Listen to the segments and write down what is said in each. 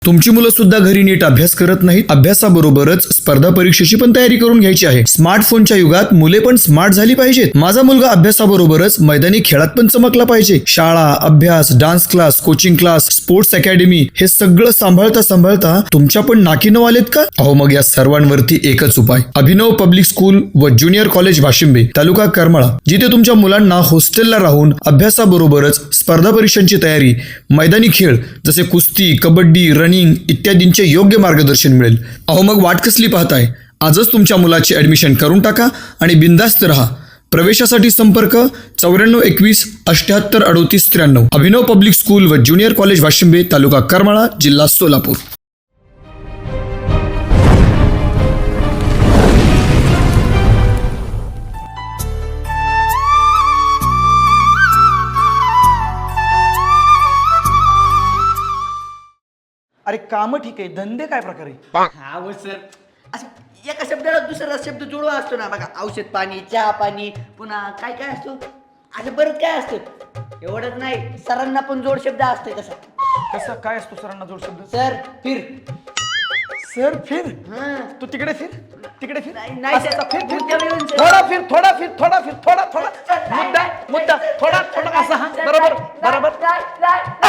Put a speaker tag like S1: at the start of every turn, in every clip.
S1: तुमची मुलं सुद्धा घरी नीट अभ्यास करत नाहीत. अभ्यासाबरोबरच स्पर्धा परीक्षेची पण तयारी करून घ्यायची आहे. स्मार्टफोनच्या युगात मुले पण स्मार्ट झाली पाहिजेत. माझा मुलगा अभ्यासाबरोबरच मैदानी खेळात पण चमकला पाहिजे. शाळा, अभ्यास, dance class, coaching class, sports academy हे सगळं सांभाळता तुमच्या पण नाकी नऊ आलेत का? अहो मग या सर्वांवरती एकच उपाय. अभिनव पब्लिक स्कूल व ज्युनियर कॉलेज वाशिंबे, तालुका करमाळा, जिथे तुमच्या मुलांना हॉस्टेलला राहून अभ्यासाबरोबरच स्पर्धा परीक्षांची तयारी, मैदानी खेळ जसे कुस्ती, कबड्डी, रनिंग इत्यादींचे योग्य मार्गदर्शन मिळेल. अहो मग वाट कसली पाहताय? आजच तुमच्या मुलाची ऍडमिशन करून टाका आणि बिंदास्त राहा. प्रवेशासाठी संपर्क 9421 78 38 93. अभिनव पब्लिक स्कूल व ज्युनियर कॉलेज वाशिंबे, तालुका करमाळा, जिल्हा सोलापूर.
S2: अरे काम ठीक आहे, धंदे काय प्रकारे?
S3: हा हो सर, असं एका शब्दाला दुसरा शब्द जुळवा असतो ना बघा. औषध पाणी, चहा पाणी, पुन्हा काय काय असतो, असं बरंच काय असतं. एवढंच नाही, सरांना पण जोड शब्द असतोय तसा.
S2: कसं काय असतो सरांना जोड शब्द?
S3: सर फिर.
S2: सर फिर.
S3: हा.
S2: तू तिकडे फिर, तिकडे फिर.
S3: नाही
S2: असं
S3: सर,
S2: फिर, फिर,
S3: पुढच्या
S2: फिर.
S3: वेळेस सर.
S2: थोडा फिर, थोडा फिर, थोडा फिर, थोडा थोडा मुद्दा
S3: नाही,
S2: मुद्दा थोडा थोडा असा. हा बरोबर बरोबर.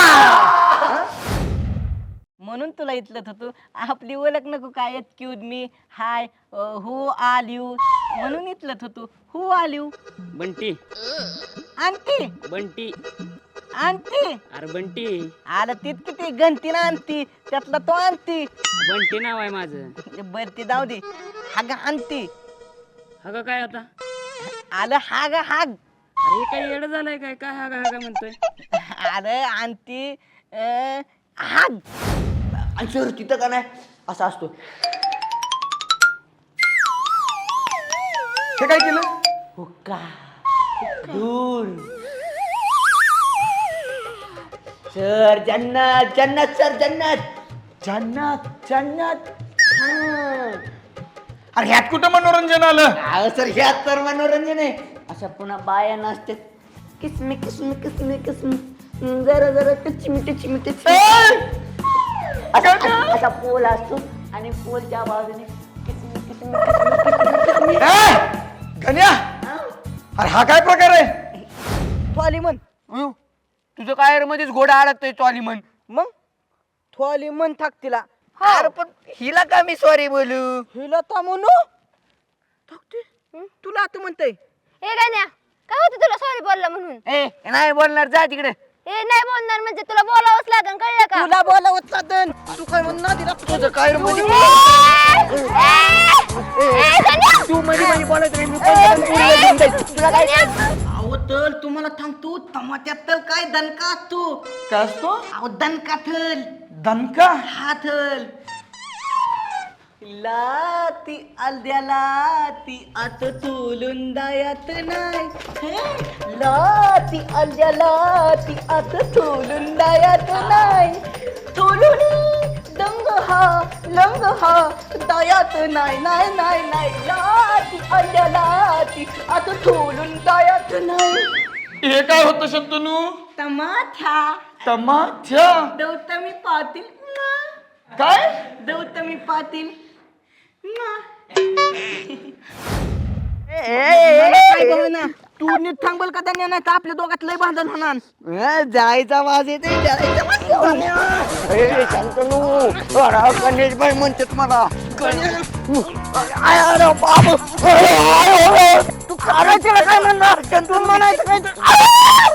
S4: म्हणून तुला इथलत होतो. आपली ओळख नको काय, excuse me, hi, who are you, म्हणून इथलत होतो. Who are you?
S5: बंटी.
S4: आणती
S5: बंटी.
S4: आणती
S5: अरे बंटी.
S4: आलं तीच किती गंतीनं आणती, त्यातला तो आणती.
S5: बंटी नाव आहे माझं.
S4: बर ती जाऊ दे. हाग आणती.
S5: हा काय आता?
S4: आलं हाग हाग.
S5: अरे काही येडं झालंय काय? काय हा हा म्हणतोय?
S4: आलं आणती हाग.
S3: आणि सर तिथं का नाही असं असतो.
S2: हे काय केलं?
S3: हुक्का, धूर. सर जन्नत, जन्नत सर, जन्नत.
S2: जन्नत जन्नत.
S3: हा.
S2: अरे ह्यात कुठं मनोरंजन आलं?
S3: अहो सर, ह्यात तर मनोरंजन आहे. अशा पुन्हा बाया नसते, किसमी किसमी किसमी किसमी, जरा जरा टचमी टचमी टचमी. असा पोल असतो आणि पोलच्या बाजूने किसमी किसमी किसमी किसमी किसमी.
S2: गण्या, अरे हा काय प्रकार आहे?
S4: थोली म्हण.
S3: तुझं काय मध्येच घोडा अडकतोय चॉली म्हण.
S4: मग थोली म्हण थाक तिला.
S3: अरे पण हिला का मी सॉरी बोलू?
S4: हिला तर म्हणू तुला आता म्हणतय.
S6: ए गाण्या, काय होतं तुला सॉरी बोलला म्हणून?
S3: ए नाही बोलणार, जा तिकडे.
S6: ए नाही बोलणार म्हणजे तुला बोलावंच लागेल, कळलं का?
S4: तुला बोलावत साधन तू काय म्हणणार तिला?
S3: तुझं काय मध्ये
S6: तू
S3: मध्ये बोलायचं नाही, मी
S6: तुला काय?
S3: अहो तर तुम्हाला सांगतो, टमाट्यात तर काय दणका असतो.
S2: काय असतो?
S3: अहो दणका थल,
S2: दणका.
S3: हा थल. लाती अलद्याला ती आत तोलून दायात नाही. लाती अलद्याला ती आत तोलून दायात नाही. तोलून दंग हा लंग हा दायात नाही नाही नाही नाही. लाती अलद्याला ती आत तोलून दायात नाही.
S2: हे काय होतं शंतनू?
S3: टमाठ्या
S2: टमाठ्या.
S3: गौतमी पाटील.
S2: काय?
S3: गौतमी पाटील.
S4: तू नीट थांबल का त्यांनी, नाही तर आपल्या दोघात लय भांडण होणार.
S3: जायचा वाज येते, जायचा गणेश भाई म्हणतात मला.
S4: तू करायचं काय म्हणणार? तू म्हणायचं काय?